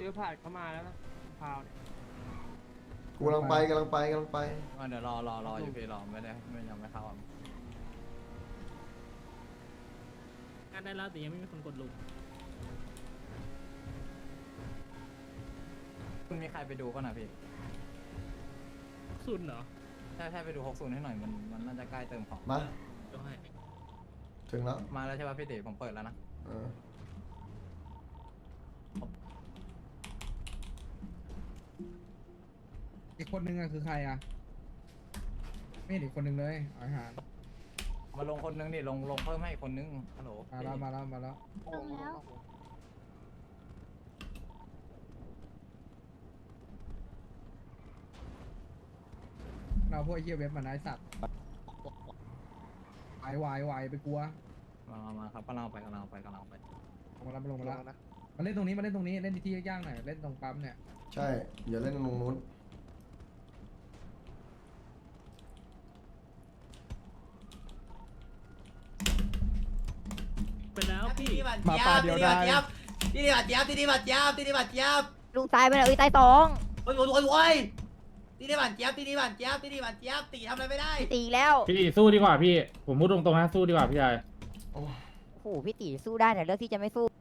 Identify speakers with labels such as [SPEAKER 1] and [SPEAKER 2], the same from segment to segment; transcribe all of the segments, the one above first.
[SPEAKER 1] อผ่านเข้ามาแล้วนะพาวเนี่ย
[SPEAKER 2] กูกำลังไป
[SPEAKER 3] เดี๋ยวรออยู่พี่รอไม่ยังไม่เข้า
[SPEAKER 4] การได้แล้วแต่ยังไม่มีคนกดลุก
[SPEAKER 3] คุณมีใครไปดูก็นะพี่
[SPEAKER 4] ซุนเหรอ
[SPEAKER 3] ใช่ไปดู60ให้หน่อยมันน่าจะใกล้เติมของ
[SPEAKER 2] มา
[SPEAKER 4] เดี๋ยวให้
[SPEAKER 2] ถึงแล้ว
[SPEAKER 3] มาแล้วใช่ป่ะพี่ติผมเปิดแล้วนะ
[SPEAKER 2] เออ
[SPEAKER 5] อีกคนนึงอะคือใครอะไม่เห็นอีกคนนึงเลยอาหาร
[SPEAKER 3] มาลงคนนึงดิลงเพิ่มให้อีกคนนึงฮัลโหล
[SPEAKER 5] มาแล้ว
[SPEAKER 6] ลงแล้ว
[SPEAKER 5] เราพวกไอ้เหี้ยเว็บมันไอ้สัตว์ไวไปกลัว
[SPEAKER 3] มาครับกำลังไป
[SPEAKER 5] ลงมาแล้วมาเล่นตรงนี้เล่นที่ย่างหน่อยเล่นตรงปั๊มเนี่ย
[SPEAKER 2] ใช่อย่าเล่นตรงนู้น
[SPEAKER 4] ไปแล้วพี่
[SPEAKER 5] มาปาเดียวได้
[SPEAKER 7] ที่นี่บาดเจ็บที่นี่บาดเจ็บที่นี่บาดเจ็บ
[SPEAKER 6] ลุงตายไปแล้วตายสอง
[SPEAKER 7] โอ้ยที่นี่บาดเจ็บที่นี่บาดเจ็บที่นี่บาดเจ็บตีทำอะไรไม่ได้
[SPEAKER 6] ตีแล้ว
[SPEAKER 1] พี่สู้ดีกว่าพี่ผมพูดตรงๆนะสู้ดีกว่าพี่ชาย
[SPEAKER 2] โอ้
[SPEAKER 6] โอ้โหพี่ตีสู้ได้แต่เลือกที่จะไม่สู้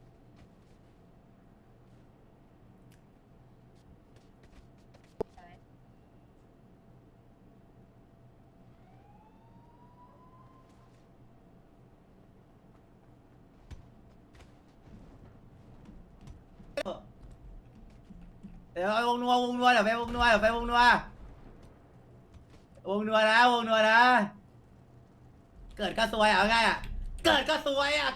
[SPEAKER 7] เดี๋ยววงนัวเดี๋ยวไปวงนัวนะเกิดก็ซวยเอาไงอ่ะเกิดก็ซวยอ่ะ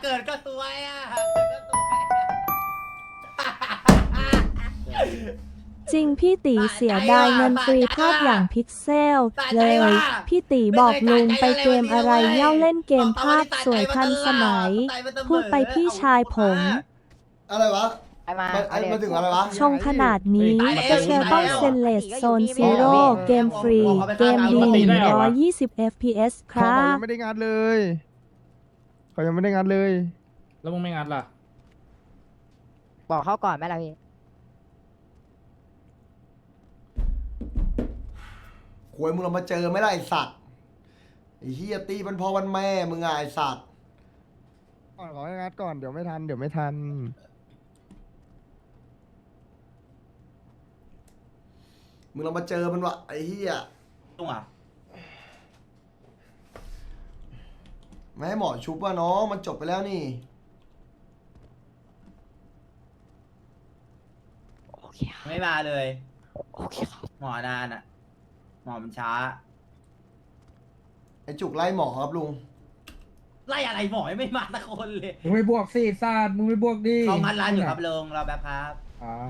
[SPEAKER 8] จริงพี่ตีเสียดายเงินฟรีภาพอย่างพิกเซลเลย พี่ตีบอกลุงไปเกมอะไรเย่าเล่นเกมภาพสวยทันสมัย พูดไปพี่ชายผม
[SPEAKER 2] อะไรวะ
[SPEAKER 6] ไปมา
[SPEAKER 2] มาถึงอะไรวะ
[SPEAKER 8] ชงขนาดนี้เชลต้องเซนเลสโซนซีโร่เกมฟรี เกมดี120 FPS ค
[SPEAKER 5] เขา
[SPEAKER 8] รับ
[SPEAKER 5] ยังไม่ได้งานเลยเขายังไม่ได้งานเลย
[SPEAKER 1] แล้วมึงไม่งัดล่ะ
[SPEAKER 6] บอกเขาก่อนไหมล่ะพี่
[SPEAKER 2] ควยมึงเรามาเจอไหม่ล่ะไอสัตว์ไอ้เฮียตีมันพอวันแม่มึงไงไอสัตว์
[SPEAKER 5] ก่อนขอให้งานก่อนเดี๋ยวไม่ทัน
[SPEAKER 2] มึงเรามาเจอมันวะไอ้เฮีย
[SPEAKER 7] ตรงอ่ะ
[SPEAKER 2] ไม่ให้หมอชุบว่าน้องมันจบไปแล้วนี่
[SPEAKER 7] ไม่มาเลย
[SPEAKER 6] โอเคครับ
[SPEAKER 7] หมอนานอ่ะหมอมันช้า
[SPEAKER 2] ไอ้จุกไล่หมอครับลุง
[SPEAKER 7] ไล่อะไรหมอยังไม่มาสักคนเลย
[SPEAKER 5] มึงไม่บวกสิซาดมึงไม่บวกดิ
[SPEAKER 7] เขางัดร้านอยู่ครับลุงรอแป๊บครับ
[SPEAKER 5] อ๋อ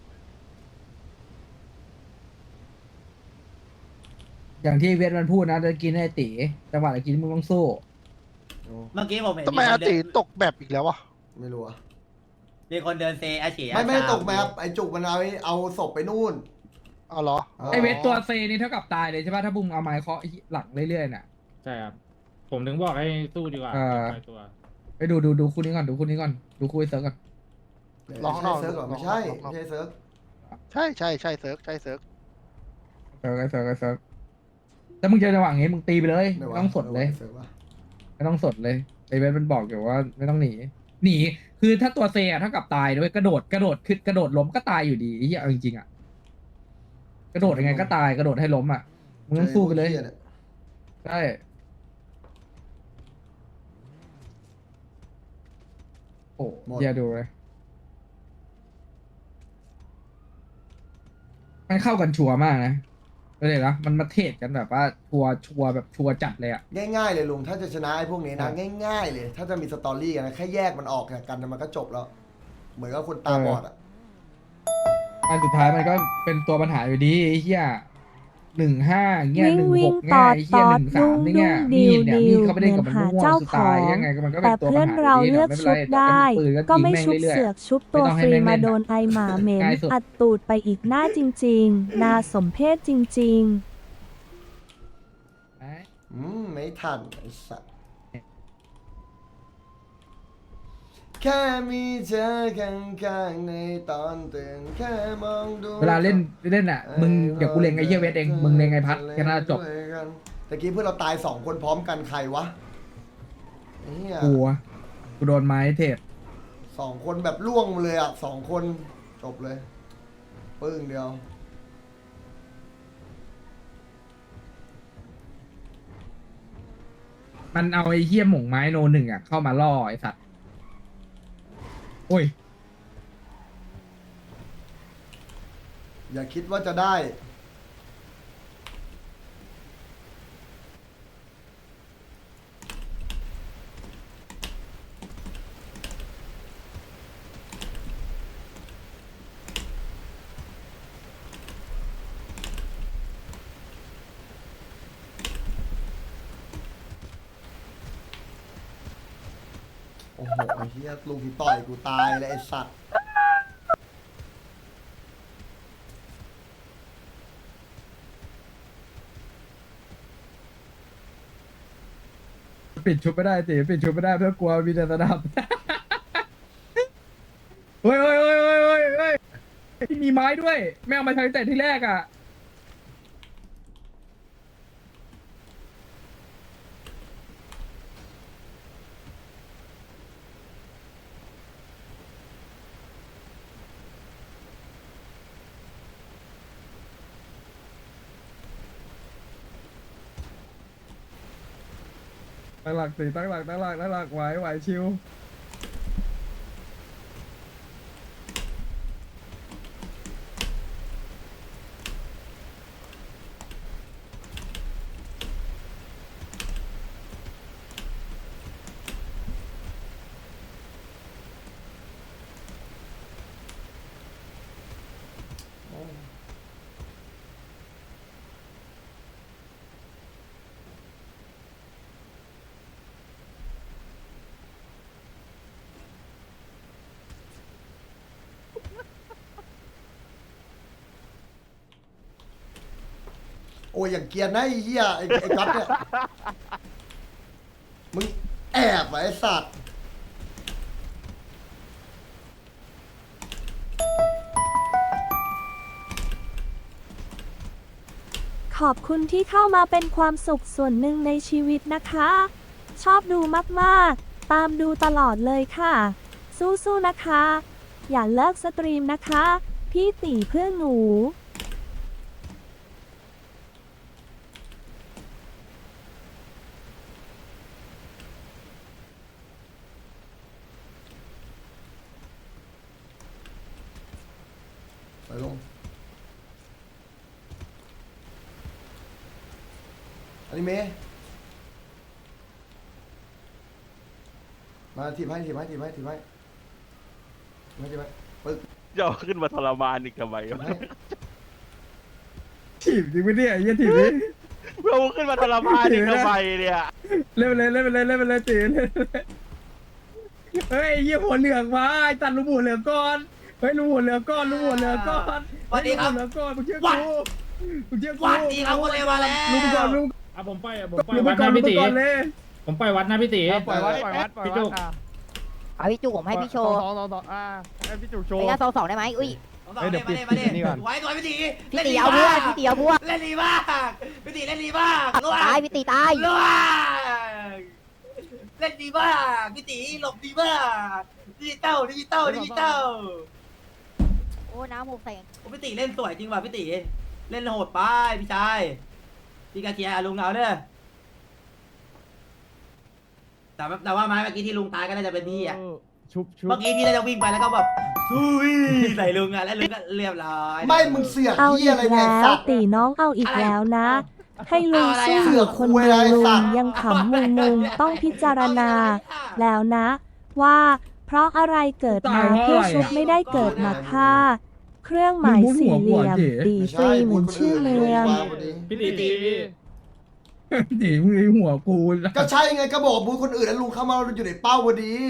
[SPEAKER 5] อย่างที่เวทมันพูดนะจะกินให้ตีจังหวะจะกินมึงต้องสู้
[SPEAKER 7] เมื่อกี้ผมเห็น
[SPEAKER 9] ทำไมอาติตกแบบอีกแล้ววะ
[SPEAKER 2] ไม่รู้อะ
[SPEAKER 7] มีคนเดินเซอาเฉีย
[SPEAKER 2] ไม่ได้ตกแมปไอ้จุกมันเอาศพไปนู่น
[SPEAKER 9] เอาเหรอ
[SPEAKER 5] ไอเวทตัวเซนี่เท่ากับตายเลยใช่ป่ะถ้าบุ้มเอาไม้เคาะหลังเรื่อยๆน่ะ
[SPEAKER 1] ใช่ครับผมถึงบอกให้สู้ดีกว่า
[SPEAKER 5] เออ
[SPEAKER 1] ไปตัว
[SPEAKER 5] ไปดูคู่นี้ก่อนดูคู่ไอ้เซิร์ฟก่อน
[SPEAKER 9] ลอง
[SPEAKER 2] ไม่ใช่เซิร์ฟก่อนไม่ใช่
[SPEAKER 9] ลอง
[SPEAKER 2] ไม่ใช่เซิร์ฟ
[SPEAKER 9] ใช่เซิร์ฟ
[SPEAKER 5] ไอเซิร์ฟแล้วมึงเจอจังหวะงี้มึงตีไปเลยไม่ต้องสดเลย
[SPEAKER 2] เซิร์ฟวะ
[SPEAKER 5] ไม่ต้องสดเลยไอเวทมันบอกอยู่ว่าไม่ต้องหนีคือถ้าตัวเซอะเท่ากับตายด้วยกระโดดคือกระโดดล้มก็ตายอยู่ดีไอ้เหี้ยเอาจริงๆอะกระโดดยังไงก็ตายกระโดดให้ล้มอะมึงต้องสู้ไปเลย
[SPEAKER 2] หี้นี่
[SPEAKER 5] ใช่โอ้เดี๋ยวดูเลยมันเข้ากันชัวร์มากนะเลยนะมันมาเทรดกันแบบว่าชัวร์แบบชัวร์จัดเลยอะ
[SPEAKER 2] ง่ายๆเลยลุงถ้าจะชนะไอ้พวกนี้นะง่ายๆเลย ถ้าจะมีสตอรี่กันนะแค่แยกมันออกจากกันมันก็จบแล้ว เหมือนกับคนตาบอดอ่ะ
[SPEAKER 5] อันสุดท้ายมันก็เป็นตัวปัญหาอยู่ดีไอ้เหี้ย15เงี้ย
[SPEAKER 8] วิ่ง
[SPEAKER 5] 16เงี้ยไอ้เหี้ย
[SPEAKER 8] ตอดๆ
[SPEAKER 5] 13นี่เงี้ย
[SPEAKER 8] ดุ้
[SPEAKER 5] มี
[SPEAKER 8] ง
[SPEAKER 5] ดเนี่ย
[SPEAKER 8] ดิ
[SPEAKER 5] มี
[SPEAKER 8] ว
[SPEAKER 5] ดเขาไม่ได้กับมัน
[SPEAKER 8] เหมือน
[SPEAKER 5] ม่วง
[SPEAKER 8] หาเจ้า
[SPEAKER 5] สุดท้าย
[SPEAKER 8] ของ
[SPEAKER 5] ยังไงก็มันก็เป็
[SPEAKER 8] แต่
[SPEAKER 5] นตัว
[SPEAKER 8] เพื่
[SPEAKER 5] ปั
[SPEAKER 8] อ
[SPEAKER 5] ญ
[SPEAKER 8] น
[SPEAKER 5] หา
[SPEAKER 8] เรา
[SPEAKER 5] อยู่ดี
[SPEAKER 8] เลือก
[SPEAKER 5] ไม่เป็น
[SPEAKER 8] ชุ
[SPEAKER 5] ไร
[SPEAKER 8] บได้
[SPEAKER 5] ปืน
[SPEAKER 8] ก็ไม่
[SPEAKER 5] ยิง
[SPEAKER 8] ชุบ
[SPEAKER 5] แรื่อยๆ
[SPEAKER 8] เสือกชุบตัว
[SPEAKER 5] ไม่ต้องให้
[SPEAKER 8] ฟรี
[SPEAKER 5] แม่งเล่
[SPEAKER 8] มาน โด
[SPEAKER 5] อะ
[SPEAKER 8] นไอหมาเหม็น
[SPEAKER 5] ง่ายสุด
[SPEAKER 8] อัดตูดไปอีกหน้าจริงๆนาสมเพศจริง ๆ
[SPEAKER 2] ไม่ทันไอ้สัสแค่มีเธอข้างๆในตอนตื่นแค่มองดู
[SPEAKER 5] เวลาเล่นอ่ะมึงเดี๋ยวกูเล็งไอ้เหี้ยเวทเองมึงเล็งไอ้พัดแค่นั้นจบ
[SPEAKER 2] ตะกี้เพื่อนเราตาย2 คนพร้อมกันใครวะเฮีย
[SPEAKER 5] กูโดนไม้เทศ
[SPEAKER 2] 2 คนแบบล่วงมาเลยอ่ะ2 คนจบเลยปึ้งเดียว
[SPEAKER 5] มันเอาไอ้เหี้ยหม่งไม้โนหนึ่งอ่ะเข้ามาล่อไอ้สัตว์โอ้ย
[SPEAKER 2] อย่าคิดว่าจะได้ โอ้โหไอ้เฮียลุงที่ต่อยกูตายเลยไอ้สัตว์
[SPEAKER 5] ปิดชุบไม่ได้ตีปิดชุบไม่ได้เพื่อกลัวมีแต่สนับ เฮ้ยมีไม้ด้วยไม่เอามาใช้แต่ที่แรกอ่ะตั้งหลักตีตั้งหลักไหวชิว
[SPEAKER 2] โอ้ยอย่างเกรียร์นะไอ้เหี้ยไอ้ก๊อตเนี่ย มึงแอบเหรอไอ้สัตว์
[SPEAKER 8] ขอบคุณที่เข้ามาเป็นความสุขส่วนหนึ่งในชีวิตนะคะ ชอบดูมากๆ ตามดูตลอดเลยค่ะ สู้ๆนะคะ อย่าเลิกสตรีมนะคะ พี่ตีเพื่อนหนู
[SPEAKER 2] ไปลง อนิเมะมาทีบให้ปึ๊ก
[SPEAKER 10] จะเอาขึ้นมาทรมานอีกทำไม
[SPEAKER 2] ทีบ
[SPEAKER 10] วะ
[SPEAKER 2] ให้
[SPEAKER 5] ถีบจริงไม่ได้ไอ้เหี้ยถีบดิ
[SPEAKER 10] เอาขึ้นมาทรมานอีกทำไมเนี่ย
[SPEAKER 5] เล่นไปเลยตีเล่นเฮ้ยไอ้เหี้ยหัวเหลืองมาไอ้ตัดลูกหัวเหลืองก่อนเฮ้ยลูกหัวเหลืองก่อน
[SPEAKER 7] สวัสดีครับ
[SPEAKER 5] ลูกหัวเหลืองก่อนมึงเชื่อ
[SPEAKER 7] วัด
[SPEAKER 5] กู
[SPEAKER 7] วัดดีครับคนเลวมาแล้ว
[SPEAKER 5] ลูกไปก่อนลูก
[SPEAKER 1] อ่ะผมไป
[SPEAKER 5] ลูก
[SPEAKER 1] วั
[SPEAKER 5] ไป
[SPEAKER 1] ด
[SPEAKER 5] ก่อน
[SPEAKER 1] นะ
[SPEAKER 5] ลูก
[SPEAKER 1] พี่
[SPEAKER 5] ไป
[SPEAKER 1] ตี
[SPEAKER 5] ก่อนเลย
[SPEAKER 1] ผมไปวัดนะพี่ตี
[SPEAKER 5] ปล่อยวัด
[SPEAKER 1] พี่จุก
[SPEAKER 6] เอาพี่จุกผมให้พี่โชว์
[SPEAKER 5] สองให้พี่จุกโชว์
[SPEAKER 6] ระยะ2-2ได้ไหมอุ้ย
[SPEAKER 5] เดี๋ยวปิด
[SPEAKER 7] มาดิ
[SPEAKER 5] นี่ก่อน
[SPEAKER 7] ไว้ตัวพี่ตี
[SPEAKER 6] พี่ตีเอาเพื่อนพี่ตีเอาพวก
[SPEAKER 7] เล่นดีมากพี่ตีเล่นดีมาก
[SPEAKER 6] ตายพี่ตีตาย
[SPEAKER 7] ล่วงเล่นดีมากพี่ตีหลบดีมากดิจิตอล
[SPEAKER 6] โอ้น้ำหกใส่
[SPEAKER 7] โอ้พี่ตีเล่นสวยจริงว่ะพี่ตีเล่นโหดไปพี่ชายพี่กาเคียร์ลุงเอาเด้อแต่ว่าไม้เมื่อกี้ที่ลุงตายก็น่าจะเป็นพี่อ่ะ
[SPEAKER 5] ชุบ
[SPEAKER 7] เมื่อกี้พี่น่าจะวิ่งไปแล้วก็แบบซุยใส่ลุงอ่ะแล้วลุงก็เรียบร้อย
[SPEAKER 2] ไม่มึงเสือก
[SPEAKER 8] เอา
[SPEAKER 2] เหี้
[SPEAKER 8] อี
[SPEAKER 2] ย
[SPEAKER 8] ก
[SPEAKER 2] อะไรเนี่ย
[SPEAKER 8] แล้
[SPEAKER 2] ไอ้
[SPEAKER 8] ว
[SPEAKER 2] สัตว์
[SPEAKER 8] ตีน้องเอาอีกแล้วนะ ให้ลุงสู้
[SPEAKER 2] เสื
[SPEAKER 8] อ
[SPEAKER 2] อก
[SPEAKER 8] ยู่คน
[SPEAKER 2] คุย
[SPEAKER 8] เดียว
[SPEAKER 2] อะไร
[SPEAKER 8] ลุ
[SPEAKER 2] สั
[SPEAKER 8] ง
[SPEAKER 2] ตว์
[SPEAKER 8] ยังขำมุมต้องพิจารณา แล้วนะ ว่าเพราะอะไรเกิดมาเพื่อชุบไม่ได้เกิดมาฆ่า เครื่องหมายสี่เหลี่ยมตีฟรีเหมือนชื่อเมือง
[SPEAKER 1] พี่ตี
[SPEAKER 5] หนีมึงไอ้หัวกู
[SPEAKER 2] ก็ใช่ไงก็บอกบูธคนอื่นแล้วลุงเข้ามาอยู่ในเป้าพอดี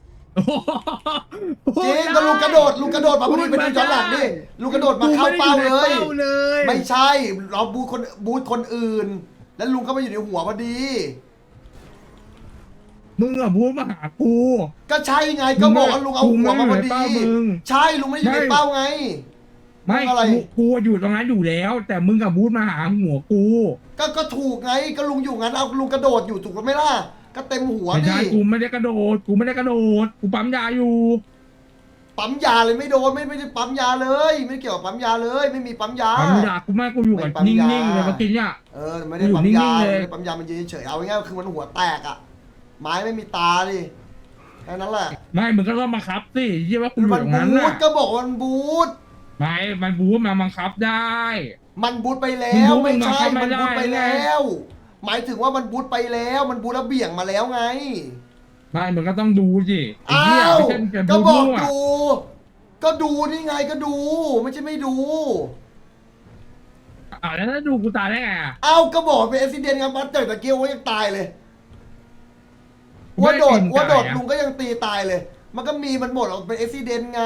[SPEAKER 2] จริงก็ลุงกระโดดมาพอดีไปดูย้อนหลังดิลุงกระโดดมาเข้าเป้าเลย ไม่ใช่เราบูธคนอื่น แล้วลุงก็มาอยู่ในหัวพอดี
[SPEAKER 5] มึงอะพูดมาหากู
[SPEAKER 2] ก็ใช่ไงก็บอกว่าลุงเอาหัวมาพอดี
[SPEAKER 5] มึงไม่อยู่ในเป้ามึง
[SPEAKER 2] ใช่ลุงไม่ได้อยู่ในเป้าไง
[SPEAKER 5] ไม่
[SPEAKER 2] มึงอะไร
[SPEAKER 5] กูอยู่ตรงนั้นอยู่แล้ว แต่มึงกับพูดมาหาหัวกู
[SPEAKER 2] ก็ถูกไงก็ลุงอยู่งั้นเอาลุงกระโดดอยู่ถูกไหมล่ะก็เต็มหัว
[SPEAKER 5] ไม่
[SPEAKER 2] ดิ
[SPEAKER 5] ใช่กูไม่ได้กระโดดกูปั๊มยาอยู่
[SPEAKER 2] ปั๊มยาเลยไม่โดนไม่ได้ปั๊มยาเลย ไม่เกี่ยวกับปั๊มยาเลย ไม่มีปั๊มยา
[SPEAKER 5] ปั๊มยากูไม่กูอยู่กับ
[SPEAKER 2] ไม่ปั๊ม
[SPEAKER 5] นิ่
[SPEAKER 2] ยา
[SPEAKER 5] งๆเลยเมื่อกี้เนี่ย
[SPEAKER 2] ไม่ได้ปั๊ม
[SPEAKER 5] อยู่
[SPEAKER 2] ยา
[SPEAKER 5] นิ่งๆเลย
[SPEAKER 2] ไม่ได้ปั๊มยามันยืนเฉยๆเอาง่ายๆคือมันหัวแตกอ่ะไม้ไม่มีตาดิแค่นั้นแหละ
[SPEAKER 5] ไม่มึงก็ต้องบังคับสิยี่ว่ากูอยู่
[SPEAKER 2] มัน
[SPEAKER 5] ตรงนั้น
[SPEAKER 2] บู
[SPEAKER 5] น่ะ
[SPEAKER 2] ทก็บอกว่ามันบูท
[SPEAKER 5] ไม่มันบู๊มาบังคับได้
[SPEAKER 2] มันบูทไปแล้ว
[SPEAKER 5] มึงบูท
[SPEAKER 2] ไม่ใช่
[SPEAKER 5] มึ
[SPEAKER 2] มัน
[SPEAKER 5] ง
[SPEAKER 2] บูท
[SPEAKER 5] เข้า
[SPEAKER 2] ไป
[SPEAKER 5] ไม่ได้
[SPEAKER 2] แล้ว หมายถึงว่ามันบูทไปแล้ว มันบูทแล้วเบี่ยงมาแล้วไง
[SPEAKER 5] ไม่มึงก็ต้องดูสิไอ้
[SPEAKER 2] อ้า
[SPEAKER 5] เหี้ยว ไม่ใช่เป็น
[SPEAKER 2] ก็
[SPEAKER 5] บู๊
[SPEAKER 2] บอก
[SPEAKER 5] มั่ว
[SPEAKER 2] ดูก็ดูนี่ไงก็ดู ไม่ใช่ไม่ดู
[SPEAKER 5] แล้วถ้าดูกูตายได้ไงอ่ะ
[SPEAKER 2] เอ้าก็บอกเป็นอุบิเหตุครับมันเจอตะเกียวว่ายังตายเลย
[SPEAKER 5] ไม่
[SPEAKER 2] ว่า
[SPEAKER 5] ได้
[SPEAKER 2] โดด
[SPEAKER 5] ตีนไก่อะ
[SPEAKER 2] ลุงก็ยังตีตายเลย มันก็มีมันหมดออกเป็นอุบิเหตุไง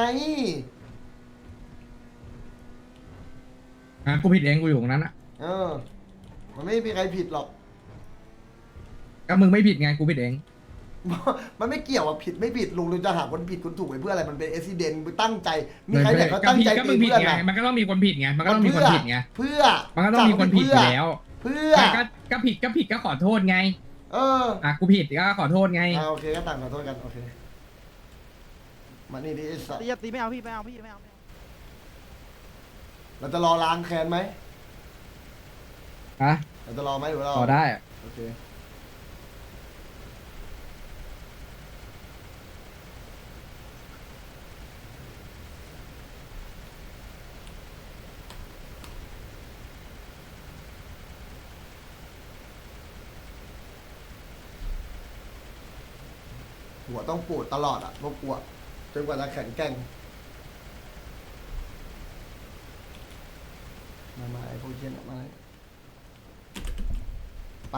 [SPEAKER 5] กูผิดเองกูอยู่ตรงนั้นอ่ะ
[SPEAKER 2] มันไม่มีใครผิดหรอก
[SPEAKER 5] ก็มึงไม่ผิดไงกูผิดเอง
[SPEAKER 2] มันไม่เกี่ยวกับผิดไม่ผิดลุงจะหาคนผิดคนถูกไปเพื่ออะไรมันเป็นอุบิเหตุมึงตั้งใจ มีใครเนี่ยเขาตั้งใจ
[SPEAKER 5] ก็
[SPEAKER 2] ตี
[SPEAKER 5] มึงผิด
[SPEAKER 2] เพื่อน
[SPEAKER 5] ไง
[SPEAKER 2] นะ
[SPEAKER 5] มันก็ต้องมีคนผิดไงมันก็ต้องมีคนผิดไง
[SPEAKER 2] เพื่อ
[SPEAKER 5] มันก็ต้องมีคนผิดอยู่แล้ว
[SPEAKER 2] เพื่อ
[SPEAKER 5] ก็ผิดก็ขอโทษไง กูผิดก็ขอโทษไง
[SPEAKER 2] โอเคก็ต่างขอโทษกันโอเคมานี่ดิไอ้สัส
[SPEAKER 3] ตีไม่เอาพี่ไม่เอาพี่ไม่เอา
[SPEAKER 2] เราจะรอล้างแค้นไหม
[SPEAKER 5] ฮะ
[SPEAKER 2] เราจะรอไหมหรือว่าเรา
[SPEAKER 5] ขอได้อะ
[SPEAKER 2] โอเคหัวต้องปวดตลอดอ่ะพวกปวดจนกว่าจะแข็งแกร่งมาไอ้พวกเชี่ยนมาไป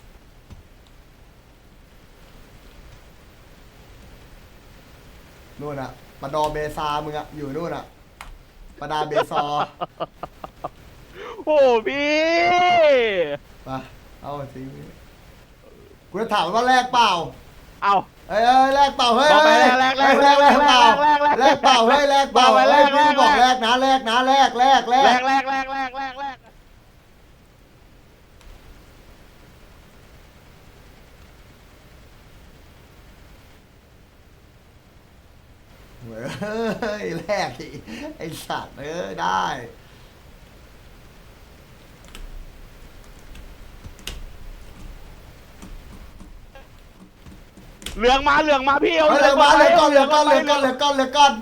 [SPEAKER 2] นู่นอะปะดอเบซามึงอะอยู่นู่นอะปะดาเบซอ
[SPEAKER 10] โอ้พี่
[SPEAKER 2] ไปเอาสิกูจะถามว่าแลกเปล่า
[SPEAKER 10] เอา
[SPEAKER 2] เอ้ยแลกเปล่าเฮ้ย
[SPEAKER 10] บอกไป
[SPEAKER 2] เฮ้ย
[SPEAKER 10] แลก
[SPEAKER 2] เฮ้ยแลกเปล่าแลกเปล่าเฮ้ยแลกเปล่า
[SPEAKER 10] บอกไป
[SPEAKER 2] เฮ้ย
[SPEAKER 10] แลก
[SPEAKER 2] พี่บอกแลกนะแลกนะแลก
[SPEAKER 10] แลกแลกแลกแลกแลกแลก
[SPEAKER 2] เฮ้ยแลกอีกไอสัตว์ได้
[SPEAKER 10] เหลืองมาพี่เอา
[SPEAKER 2] เเหลือมาเหลือก้อนเหลือก้อนเหลือก้อนเหลือก้อนเหลือก้อน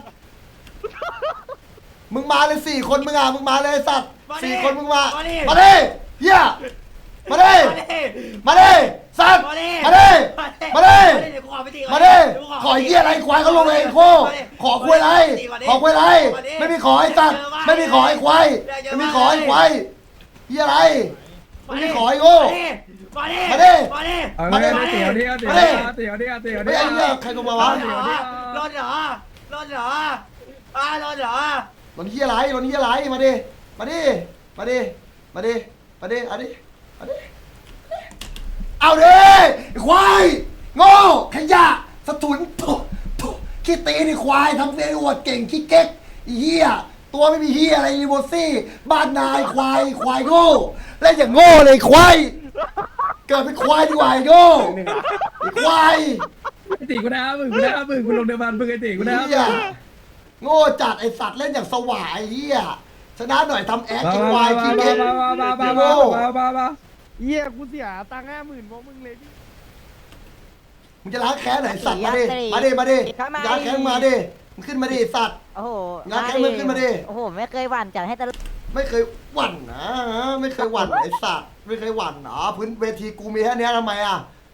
[SPEAKER 2] มึงมาเลย4 คนมึงอ่ะมึงมาเลยไอ้สัตว์4 คนมึงมามาดิเฮียมาดิมาดิสัตว์มาดิมาดิมาดิขอเฮียอะไรควายเขาลงเองโคขอควายอะไรขอควายอะไรไม่มีขอไอ้สัตว์ไม่มีขอไอ้ควายไม่มีขอไอ้ควายเฮียอะไรไม่มีขอไอ้โง่มาดิ
[SPEAKER 5] เอา
[SPEAKER 2] มาดิ
[SPEAKER 5] เลยเตี๋ยวดิ
[SPEAKER 2] มาดิ
[SPEAKER 5] เตี๋ยวดิ
[SPEAKER 2] ไม่ไอ้เหี้ยใครก็มาวะ
[SPEAKER 7] รถเหรอรถเหรอรถเหรอ
[SPEAKER 2] รถเหี้ยไรรถเหี้ยไรมาดิมาดิมาดิมาดิมาดิเอาดิเอาดิเอาดิควายโง่ขยะสะทุนทุขี้ตีนี่ควายทำเสียอวดเก่งขี้เก๊กเหี้ยตัวไม่มีเหี้ยอะไรรีโบซี่บ้านนายควายโง่เล่นอย่างโง่เลยควายเกิดเป็นควายดีกว่าไอ้โง่ไอ้ควาย
[SPEAKER 5] ตีกูนะมึงกูลงเดิมพันมึงไอ้ตีกูนะ
[SPEAKER 2] เหี้ยโง่จัดไอสัตว์เล่นอย่างสวายเฮียชนะหน่อยทำแอคกินวายกินเก็บโง่
[SPEAKER 3] เยี่ยกูเสียตังค์50,000เพราะมึงเลยพี่
[SPEAKER 2] มึงจะล้างแค้นไหนสัตว์มาดิมาดิมาดิล้างแค้นมาดิมึงขึ้นมาดิสัตว์
[SPEAKER 6] โอ้โห
[SPEAKER 2] งานแค่มึงขึ้นมาดิ
[SPEAKER 6] โอ้โหไม่เคยหวั่นจัดให้ตลอด
[SPEAKER 2] ไม่เคยหวั่นนะไม่เคยหวั่นไอสัตว์ไม่เคยหวั่นเหรอพื้นเวทีกูมีแค่เนี้ยทำไมอ่ะ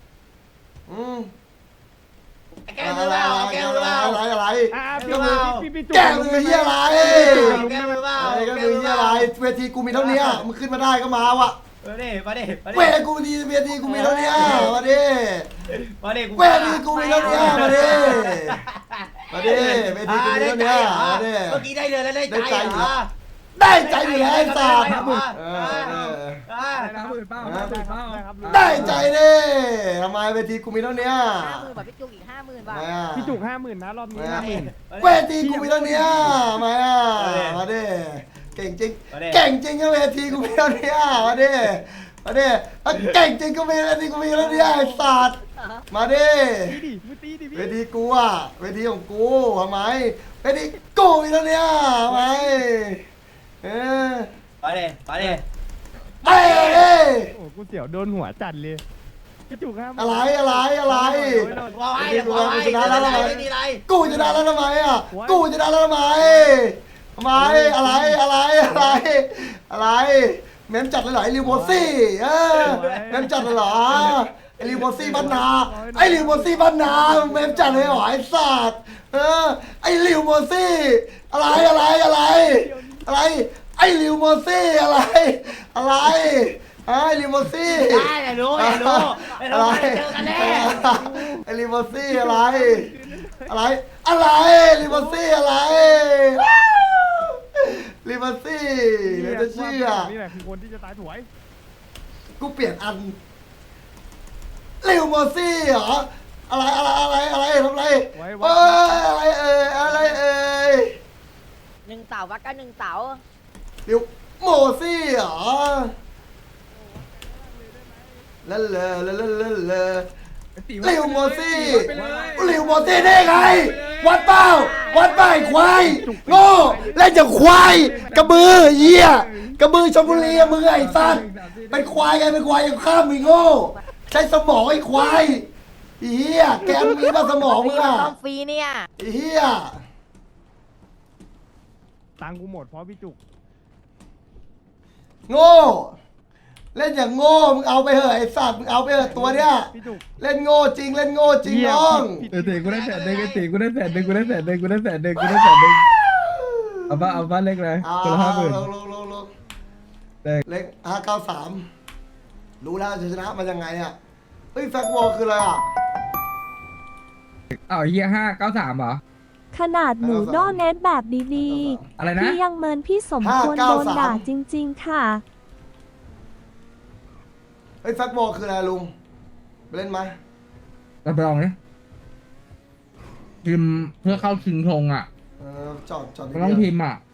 [SPEAKER 7] แกมือเปล่าแกมือเปล่า
[SPEAKER 2] อะไร
[SPEAKER 7] แกมือเปล่า
[SPEAKER 2] แกมือเฮียอะไร
[SPEAKER 7] แกมือเปล่า
[SPEAKER 2] อะไรก็มือเฮียอะไรเวทีกูมีเท่านี้มึงขึ้นมาได้ก็มาวะ
[SPEAKER 7] มาดิ
[SPEAKER 2] เวทีกูมีเวทีกูมีเท่านี้มาดิ
[SPEAKER 7] มาดิ
[SPEAKER 2] เวทีกูมีเท่านี้มาดิมาดิเวทีกูมีเท่านี้มาดิ
[SPEAKER 7] เมื่อกี้ได้เลยแล้วได้ใจเหรอ
[SPEAKER 2] ได้ใจอยู่แล้วไอ้สัตว์
[SPEAKER 5] 50,000เป้า50,000เป้า
[SPEAKER 2] ได้ใจดิทำไมเวทีกูมีเท่าเนี้ย
[SPEAKER 6] 50,000บาทพี่จุกอีก50,000 บาท
[SPEAKER 2] ทำไมอ่ะ
[SPEAKER 1] พี่จุก50,000นะรอบนี้
[SPEAKER 2] เวทีกูมีเท่าเนี้ยทำไมอ่ะมาดิเก่งจริงเก่งจริงก็เวทีกูมีเท่าเนี้ยมาดิมาดิเก่งจริงก็เวทีกูมีเท่าเนี้ยไอ้สัตว์มาดิเวทีกูอ่ะเวทีของกูทำไมเวทีกูมีเท่าเนี้ยทำไม
[SPEAKER 7] ไปดิไปดิ
[SPEAKER 2] ไปเลย
[SPEAKER 1] โอ้กูเสียวโดนหัวจัดเลยพี่จุก50,000
[SPEAKER 2] อะไร
[SPEAKER 7] ว่าไว้เดี๋ยวว่าไว้
[SPEAKER 2] ชนะแล้วทำไม
[SPEAKER 7] ไม่มีอะไร
[SPEAKER 2] กูชนะแล้วทำไมอ่ะกูชนะแล้วทำไมอะไรเมมจัดเลยเหรอไอ้ลิวโบซี่เมมจัดเลยเหรอไอ้ลิวโบซี่บ้านนาไอ้ลิวโบซี่บ้านนาเมมจัดเลยเหรอไอ้สัตว์ไอ้ลิวโบซี่อะไรไอ้ลิวโบซี่อะไรไอ้ลิวโบซี่
[SPEAKER 7] ได้อย่ารู้เดี๋ยวเจอกันแน่
[SPEAKER 2] ไอ้ลิวโบซี่อะไรลิวโบซี่อะไรลิวโบซี่เดี๋ยวจะเชื่อ
[SPEAKER 1] นี่แหละคือคนที่จะตายถวย
[SPEAKER 2] กูเปลี่ยนอันลิวโบซี่เหรออะไรทำอะไรอะไร
[SPEAKER 6] 1 เสาวัดกัน1 เสา
[SPEAKER 2] ลิวโมซี่เหรอละลิวโมซี่ได้ไงวัดเป้าควายโง่เล่นจากควายกระบือเหี้ยกระบือชลบุรีมึงไอ้สัตว์เป็นควายยังข้ามมึงโง่ใช้สมองไอ้ควายเหี้ยแกมีมาสมองมึงอ่ะ
[SPEAKER 6] ต้องฟรีเนี่ย
[SPEAKER 2] เหี้ย
[SPEAKER 1] ตังกูหมดเพราะพี่จุก
[SPEAKER 2] โง่เล่นอย่างโง่มึงเอาไปเหอะไอ้สัตว์มึงเอาไปเหอะตัวเนี้ย
[SPEAKER 1] พี่จุก
[SPEAKER 2] เล่นโง่จริงน้อง
[SPEAKER 5] ตีกูได้100,000กูได้100,000เอาบ้านเล็กเลยคนละ50,000
[SPEAKER 2] ลงเล็ก593รู้แล้วจะชนะมันยังไงอ่ะเฮ้ยแฟกวอลคืออะไรอ่ะ
[SPEAKER 5] อ้าวเฮีย593เหรอ
[SPEAKER 8] ขนาดหนูโดเน็ตแบบดี
[SPEAKER 5] อะไร
[SPEAKER 8] ๆ
[SPEAKER 5] นะ
[SPEAKER 8] พี่ยังเมินพี่สมควรโดนด่าจริง ๆ ค่ะ
[SPEAKER 2] เฮ้ยแฟกวอลคืออะไรลุงไปเล่นไหม
[SPEAKER 5] รับรองนะพิมพ์เพื่อเข้าชิงธงอ่ะ
[SPEAKER 2] จอด
[SPEAKER 5] มันต้องพิมพ์อ่ะ